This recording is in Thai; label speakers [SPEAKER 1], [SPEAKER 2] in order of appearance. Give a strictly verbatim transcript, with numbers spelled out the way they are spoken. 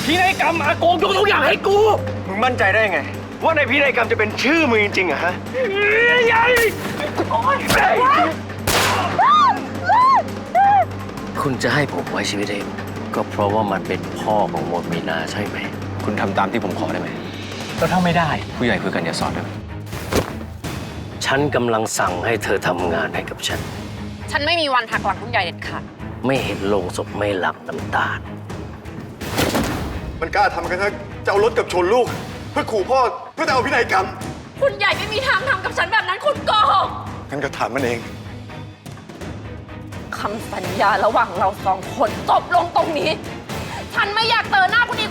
[SPEAKER 1] พินัยกรรมอากงยกทุกอย่างให้กูมึงมั่นใจได้ไงว่าในพินัยกรรมจะเป็นชื่อมึงจริงๆอะฮะใหญ่คุณจะให้ผมไว้ชีวิตเองก็เพราะว่ามันเป็นพ่อของมนมีนาใช่ไหมคุณทำตามที่ผมขอได้ไหมแล้วถ้าไม่ได้ผู้ใหญ่คุยกันอย่าสอนด้วยฉันกำลังสั่งให้เธอทำงานให้กับฉัน
[SPEAKER 2] ฉันไม่มีวันหักหลังคุณใหญ่เด็ดขาด
[SPEAKER 1] ไม่เห็นโลงศพไม่หลั่งน้ำตาล
[SPEAKER 3] มันกล้าทำกันทั้งจะเอารถกับชนลูกเพื่อขู่พ่อเพื่อจะเอาพินัยกรรม
[SPEAKER 2] คุณใหญ่ไม่มีทางทำกับฉันแบบนั้นคุณโกหก
[SPEAKER 3] งั้นก็ถามมันเอง
[SPEAKER 2] คำสัญญาระหว่างเราสองคนจบลงตรงนี้ฉันไม่อยากเจอหน้าคุณอีก